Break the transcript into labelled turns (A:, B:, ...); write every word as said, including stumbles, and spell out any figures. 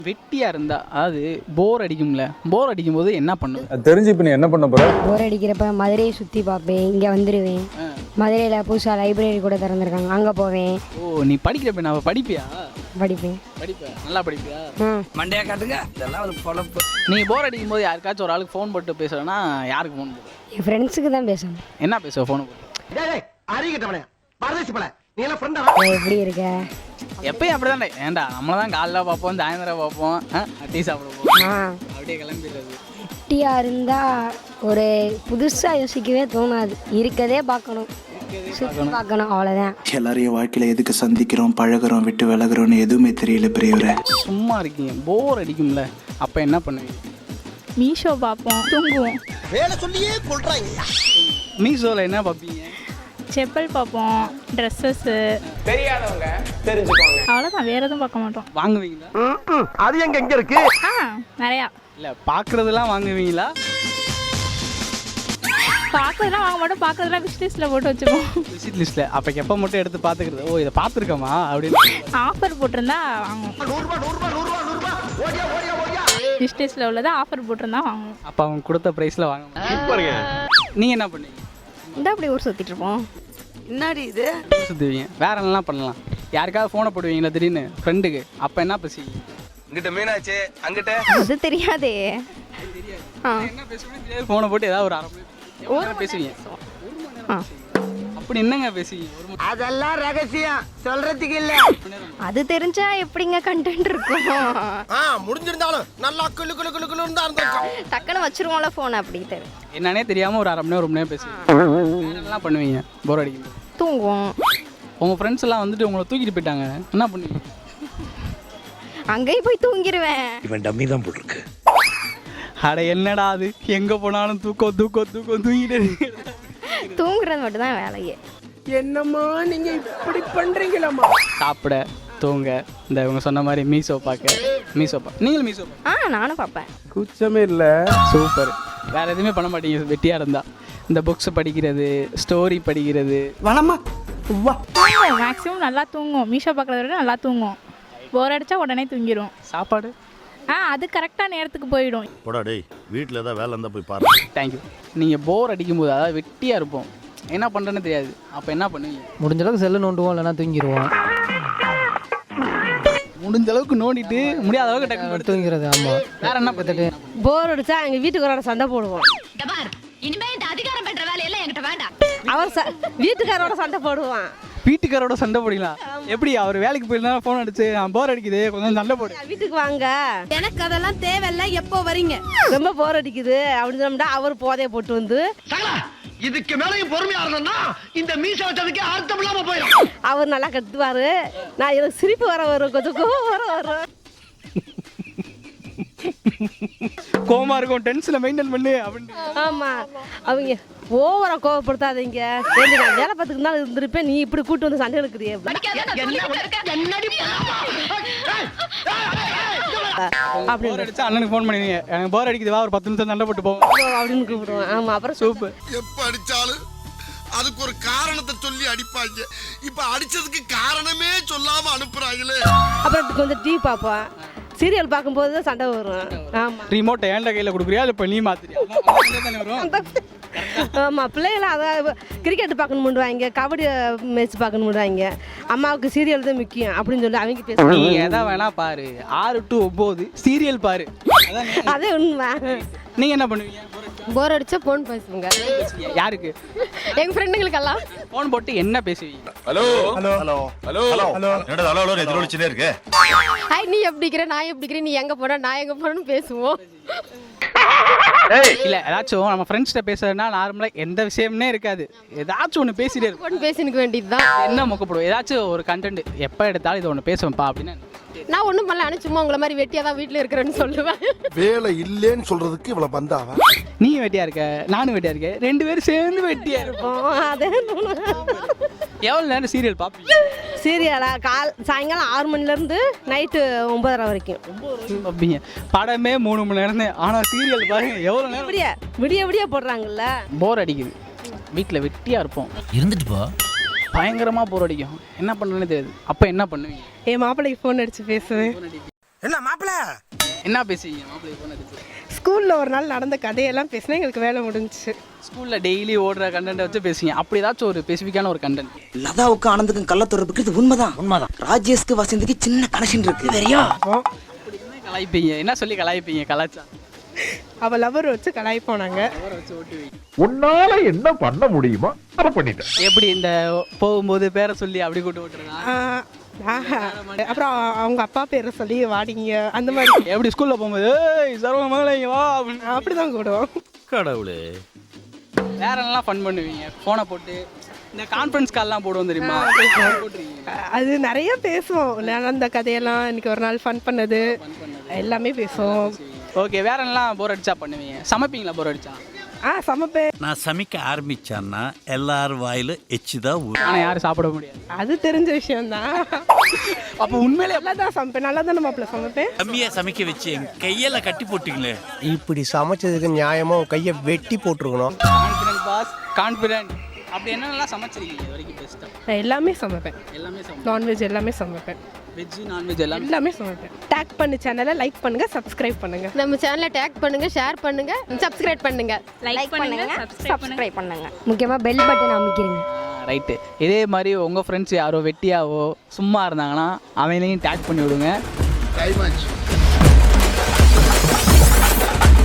A: வெட்டியா இருந்தா அதாவது போர் அடிக்கும்ல, போர் அடிக்கும் போது என்ன பண்ணுவேன்
B: தெரிஞ்சு இப்போ நீ என்ன பண்ண போற?
C: போர் அடிக்கிறப்ப மதுரையை சுற்றி பார்ப்பேன், இங்கே வந்துடுவேன். மதுரையில் புதுசாக லைப்ரரி கூட திறந்துருக்காங்க, அங்கே போவேன்.
A: ஓ நீ படிக்கிறப்ப நான் படிப்பியா?
C: படிப்பேன்.
A: படிப்பேன். நல்லா படிப்பியா?
C: ம்
D: மண்டையா காட்டுங்க, இதெல்லாம் ஒரு பொழப்பு.
A: நீ போர் அடிக்கும் போது யாருக்காச்சும் ஒரு ஆளுக்கு ஃபோன் போட்டு பேசுறேன்னா யாருக்கு ஃபோன் போடு?
C: என் ஃப்ரெண்ட்ஸுக்கு தான் பேசணும்.
A: என்ன பேசுவ ஃபோன் போட்டு?
C: எப்படி இருக்க?
A: எப்பயும் அப்படிதானே. ஏன்டா நம்மள தான் காலைல பார்ப்போம், சாயந்தரம் பார்ப்போம், டீ சாப்பிட போவோம்,
C: ஆ
A: அப்படியே கிளம்பிடுறது.
C: வெட்டியாக இருந்தால் ஒரு புதுசாக யோசிக்கவே தோணாது, இருக்கதே பார்க்கணும், சுற்றி பார்க்கணும், அவ்வளோதான்.
E: எல்லாரையும் வாழ்க்கையில் எதுக்கு சந்திக்கிறோம், பழகிறோம், விட்டு விலகிறோம்னு எதுவுமே தெரியல பெரியவரை.
A: சும்மா இருக்கீங்க, போர் அடிக்கும்ல, அப்போ என்ன பண்ணுவீங்க?
F: மீஷோ பார்ப்போம், தூங்குவோம்.
D: வேலை சொல்லியே கொள்றாங்க.
A: மீஷோவில் என்ன பார்ப்பீங்க?
F: செப்பல் பார்ப்போம், ட்ரெஸ்ஸஸ்ஸு,
D: தெரியாதவங்க தெரிஞ்சுக்கோங்க.
F: அவ்வளோதான், வேறு எதுவும் பார்க்க மாட்டோம்.
A: வாங்குவீங்களா?
D: அது எங்க எங்க இருக்கு?
F: ஆ நிறையா
A: இல்லை பார்க்குறதெல்லாம் வாங்குவீங்களா?
F: பார்க்குறதுலாம் வாங்க மாட்டோம், பார்க்குறதுலாம் விஷ் லிஸ்ட்டில் போட்டு வச்சுப்போம்.
A: விசிட் லிஸ்ட்டில். அப்போ எப்போ மட்டும் எடுத்து பார்த்துக்கிறது, ஓ இதை பார்த்துருக்கோமா அப்படின்னு.
F: ஆஃபர் போட்டிருந்தா வாங்குவோம். விஷ் லிஸ்ட்டில் உள்ளதை ஆஃபர் போட்டிருந்தா வாங்குவோம்.
A: அப்போ அவங்க கொடுத்த ப்ரைஸில் வாங்க. நீங்கள் என்ன பண்ணுவீங்க?
F: இந்த அப்படி ஊர் சுற்றிட்டு இருப்போம்.
D: என்னடி இது?
A: சுற்றுவீங்க. வேற என்னலாம் பண்ணலாம்? யாருக்காவது ஃபோனை போடுவீங்களா திடீர்னு ஃப்ரெண்டுக்கு, அப்போ என்ன பேசுவீங்க?
D: இங்கிட்ட மீனாச்சு, அங்கிட்ட
F: அது தெரியாதே. ஆ
A: என்ன பேசுவீங்க? ஃபோனை போட்டு ஏதாவது ஒரு அரை மணி எவ்வளோ நேரம் பேசுவீங்க?
F: ஆ
A: அப்படி என்னங்க பேசுவீங்க? ஒரு மணி
D: அதெல்லாம் ரகசியம் சொல்றதுக்கு இல்ல.
F: அது தெரிஞ்சா எப்படிங்க கண்டென்ட் இருக்கும்?
D: ஆ முடிஞ்சிருந்தாலும் நல்லா குளு குளு குளு குளு இருந்தா இருந்திருக்கும்.
F: டக்குன்னு வச்சிருவோம்ல ஃபோன், அப்படி தெரியும்.
A: என்னன்னே தெரியாமல் ஒரு அரை மணி நேரம் ஒரு மணி நேரம் பேசுவீங்க. என்னெல்லாம் பண்ணுவீங்க போர் அடிக்கும்போது?
F: தூங்குவோம்.
A: உங்கள் ஃப்ரெண்ட்ஸ் எல்லாம் வந்துட்டு உங்களை தூக்கிட்டு போயிட்டாங்க, என்ன பண்ணுவீங்க?
F: அங்கேயும் போய் தூங்கிடுவேன்.
G: இவன் டம்மி தான் போட்டிருக்கு.
A: அட என்னடா அது, எங்கே போனாலும் தூக்கம் தூக்கம் தூக்கம் தூங்கிட்டு
F: தூங்குறது மட்டும்தான் வேலையே.
D: என்னம்மா நீங்க இப்படி பண்றீங்களாமா?
A: சாப்பிட, தூங்க, இந்த இவங்க சொன்ன மாதிரி மீசோ பார்க்க. மீசோ பா நீங்களும் மீசோ பா
F: ஆ நானும் பார்ப்பேன்.
B: கூச்சமே இல்ல.
A: சூப்பர். வேற எதுவுமே பண்ண மாட்டீங்க வெட்டியா இருந்தா? இந்த புக்ஸ் படிக்கிறது, ஸ்டோரி படிக்கிறது.
D: வனமா வா.
F: மேக்ஸிமம் நல்லா தூங்கும். மீஷோ பார்க்குறத விட நல்லா தூங்கும். போர் அடிச்சா உடனே தூங்கிடும்.
A: சாப்பாடு
F: ஆ அது கரெக்டாக நேரத்துக்கு போயிடும்.
G: போடா டேய், வீட்டில் ஏதாவது வேலை இருந்தால் போய் பாரு.
A: தேங்க்யூ. நீங்கள் போர் அடிக்கும்போது, அதாவது வெட்டியாக இருப்போம், என்ன பண்ணுறேன்னு தெரியாது, அப்போ என்ன பண்ணுவீங்க?
H: முடிஞ்ச அளவுக்கு செல்லு நோண்டுவோம், இல்லைனா தூங்கிடுவோம்.
A: முடிஞ்ச அளவுக்கு நோண்டிட்டு முடியாத அளவுக்கு டக்கு
H: தூங்கிறது. ஆமாம்.
A: வேற என்ன பார்த்துட்டு
C: போர் அடிச்சா எங்கள் வீட்டுக்காரோட சண்டை போடுவோம்.
I: இனிமே இந்த அதிகாரம் பண்ற வேலையெல்லாம் என்கிட்ட வேண்டாம்.
C: அவர் ச வீட்டுக்காரோட சண்டை போடுவான்.
A: வீட்டுக்காரோட சண்டை போடலாம்? எப்படி? அவர் வேலைக்கு போயிருந்தா ஃபோன் அடிச்சு நான் போர் அடிக்குது கொஞ்சம் சண்டை போடு,
C: வீட்டுக்கு வாங்க,
I: எனக்கு அதெல்லாம் தேவையில்ல, எப்போ வரீங்க?
C: ரொம்ப போர் அடிக்குது அப்படின்னு சொன்னா அவர் போதைய போட்டு வந்து
D: இதுக்கு மேலையும் பொறுமையா இருந்தோம்னா இந்த மீசை வச்சதுக்கே அர்த்தம் இல்லாம போயிடும்.
C: அவர் நல்லா கட்டுவாரு. நான் எனக்கு சிரிப்பு வர வரும், கொஞ்சம் கோவம் வர வரும்.
A: கோமா இருக்கும், டென்ஷனை மெயின்டைன் பண்ணு அப்படின்னு.
C: ஆமா, அவங்க ஓவரா கோவப்படுத்தாதீங்க. ஏண்டி நான் வேலை பார்த்துக்கு தான் இருந்திருப்பேன், நீ இப்படி கூட்டு வந்து சண்டை எடுக்கிறியே
A: போர் அடிச்சா அண்ணனுக்கு ஃபோன் பண்ணுவீங்க, எனக்கு போர் அடிக்குது வா ஒரு பத்து நிமிஷம் சண்டை போட்டு போவோம்
C: அப்படின்னு கூப்பிடுவேன். ஆமா, அப்புறம்
A: சூப்பர்.
J: எப்ப அடிச்சாலும் அதுக்கு ஒரு காரணத்தை சொல்லி அடிப்பாங்க. இப்ப அடிச்சதுக்கு காரணமே சொல்லாம அனுப்புறாங்களே.
C: அப்புறம் கொஞ்சம் டிவி பார்ப்போம். சீரியல் பார்க்கும்போது தான் சண்டை வரும். ஆமா,
A: ரிமோட்டை ஏன்ட கையில் கொடுக்குறியா இல்லை இப்போ நீ மாத்திரியா?
C: ஆமா, பிள்ளைகளாம் அதான் கிரிக்கெட் பார்க்கணும் பண்ணுவாங்க, கபடி மேட்ச் பார்க்கணும் பண்ணுவாங்க. அம்மாவுக்கு சீரியல் தான் முக்கியம் அப்படின்னு சொல்லி அவங்க பேச.
A: நீ எதா வேணா பாரு, ஆறு டு ஒன்பது சீரியல் பாரு,
C: அதே உண்மை.
A: நீங்க என்ன பண்ணுவீங்க?
C: போர் அடிச்சா ஃபோன் பேசுவீங்க.
A: யாருக்கு?
C: எங்க ஃப்ரெண்டுங்களுக்கெல்லாம்
A: ஃபோன் போட்டு என்ன பேசுவீங்க?
G: Hello hello hello hello hello என்னடா ஹலோ ஹலோ எதிரொலிச்சுனே இருக்கு.
C: ஹாய், நீ எப்படி இருக்கிற, நான் எப்படி இருக்கிறேன், நீ எங்க போற, நான் எங்க போறேன்னு பேசுவோம்.
A: இல்ல ஏதாச்சும் நம்ம ஃப்ரெண்ட்ஸ்கிட்ட பேசுறதுனா நார்மலா எந்த விஷயம்னே இருக்காது, ஏதாச்சும் ஒன்று பேசிட்டே இருக்கும்.
C: ஃபோன் பேசினுக்க வேண்டியதுதான்.
A: என்ன மொக்கப்படுவோம், ஏதாச்சும் ஒரு கண்டென்ட் எப்போ எடுத்தாலும் இதை ஒன்று பேசுவேன்ப்பா அப்படின்னு.
C: நான் ஒன்றும் பண்ணல, ஆனால் சும்மா உங்களை மாதிரி வெட்டியாக தான் வீட்டில் இருக்கிறேன்னு சொல்லுவேன்.
J: வேலை இல்லேன்னு சொல்றதுக்கு இவ்வளவு பந்தாவா?
A: நீ வெட்டியா இருக்க, நானும் வெட்டியா இருக்கேன், ரெண்டு பேரும் சேர்ந்து வெட்டியா இருப்போம்.
C: அதே
A: எவ்வளோ நேரம் சீரியல் பார்ப்பீங்க?
C: சீரியலா கால் சாயங்காலம் ஆறு மணிலேருந்து நைட்டு ஒன்பதரை வரைக்கும்
A: பார்ப்பீங்க. படமே மூணு மணி நேரம் தான், ஆனால் சீரியல் பாருங்க எவ்வளோ நேரம்.
C: விடிய விடிய விடிய போடுறாங்கல்ல.
A: போர் அடிக்குது, வீட்டில் வெட்டியாக இருப்போம்,
H: இருந்துட்டு போ.
A: பயங்கரமாக போர் அடிக்கும், என்ன பண்ணுறேன்னு தெரியாது, அப்போ என்ன பண்ணுவீங்க?
C: என் மாப்பிள்ளைக்கு ஃபோன் அடித்து பேசுவேன்.
J: என்ன மாப்பிள்ள
A: என்ன பேசுவீங்க மாப்பிள்ளை ஃபோன் அடிச்சு?
C: ஸ்கூலில் ஒரு நாள் நடந்த கதையெல்லாம் பேசினா எங்களுக்கு வேலை முடிஞ்சிச்சு.
A: ஸ்கூலில் டெய்லி ஓடுற கண்டென்ட்டை வச்சு பேசுவீங்க. அப்படி ஏதாச்சும் ஒரு ஸ்பெசிஃபிக்கான ஒரு கண்டென்ட்.
K: லதாவுக்கு ஆனந்துக்கும் கள்ள தொடர்புக்கு இது உண்மைதான் உண்மைதான் ராஜேஷ்க்கு வசந்திக்கு சின்ன கனெக்ஷன் இருக்கு சரியா?
A: அப்படி என்ன கலாய்ப்பீங்க? என்ன சொல்லி கலாய்ப்பீங்க? கலாச்சா
C: அவள் லவர் வச்சு கலாய்ப்போம் நாங்கள்.
A: வச்சு ஓட்டுவீங்க.
B: உன்னால என்ன பண்ண முடியுமோ அதை பண்ணிட்டேன்.
A: எப்படி இந்த போகும்போது பேரை சொல்லி அப்படி கூட்டு ஓட்டுறதா?
C: அப்புறம் அவங்க அப்பா பேரை சொல்லி வாடிங்க அந்த மாதிரி.
A: எப்படி ஸ்கூலில் போகும்போது ஏய் சர்வ மகளே வா அப்படின்னு
C: அப்படி தான் கூடுவோம்.
G: கடவுளே.
A: வேற என்னலாம் ஃபன் பண்ணுவீங்க? ஃபோனை போட்டு இந்த கான்ஃபரன்ஸ் கால்லாம் போடுவோம் தெரியுமா? போட்டுருக்கீங்க.
C: அது நிறைய பேசுவோம். நடந்த கதையெல்லாம் இன்னைக்கு ஒரு நாள் ஃபன் பண்ணது எல்லாமே பேசுவோம்.
A: ஓகே, வேற என்னலாம் போர் அடிச்சா பண்ணுவீங்க? சமைப்பீங்களா போர் அடிச்சா?
C: ஆ சமைப்பேன்.
G: நான் சமைக்க ஆரம்பிச்சான்னா எல்லாரும் வாயில எச்சுதான் ஊறும்.
A: ஆனால் யாரும் சாப்பிட முடியாது.
C: அது தெரிஞ்ச விஷயம்தான்.
A: அப்போ உண்மையிலே
C: நல்லா தான் சமைப்பேன். நல்லா தானே மாப்பிள்ள சமைப்பேன்.
G: கம்மியா சமைக்க வச்சு என் கையெல்லாம் கட்டி போட்டீங்களே.
J: இப்படி சமைச்சதுக்கு நியாயமா கையை வெட்டி போட்டுருக்கணும்.
A: Confident pass, confident. அப்படி என்னென்னலாம் சமைச்சிருக்கீங்க இது வரைக்கும் பெஸ்ட்டாக?
C: நான் எல்லாமே சமைப்பேன்.
A: எல்லாமே சமைப்பேன்.
C: நான்வெஜ் எல்லாமே சமைப்பேன்.
A: வெஜ் நான்வெஜ் எல்லாமே
C: எல்லாமே சமைப்பேன். டேக் பண்ணு சேனலை லைக் பண்ணுங்க, சப்ஸ்கிரைப் பண்ணுங்க.
I: நம்ம சேனலை டேக் பண்ணுங்க, ஷேர் பண்ணுங்க, சப்ஸ்கிரைப் பண்ணுங்க.
F: லைக் பண்ணுங்க, சப்ஸ்கிரைப்
I: பண்ணுங்க.
C: முக்கியமாக பெல் பட்டன் அமைக்கிறீங்க.
A: ரைட்டு. இதே மாதிரி உங்கள் ஃப்ரெண்ட்ஸ் யாரோ வெட்டியாவோ சும்மா இருந்தாங்கன்னா அவங்களையும் டேக் பண்ணி விடுங்க.
J: டைம் ஆச்சு.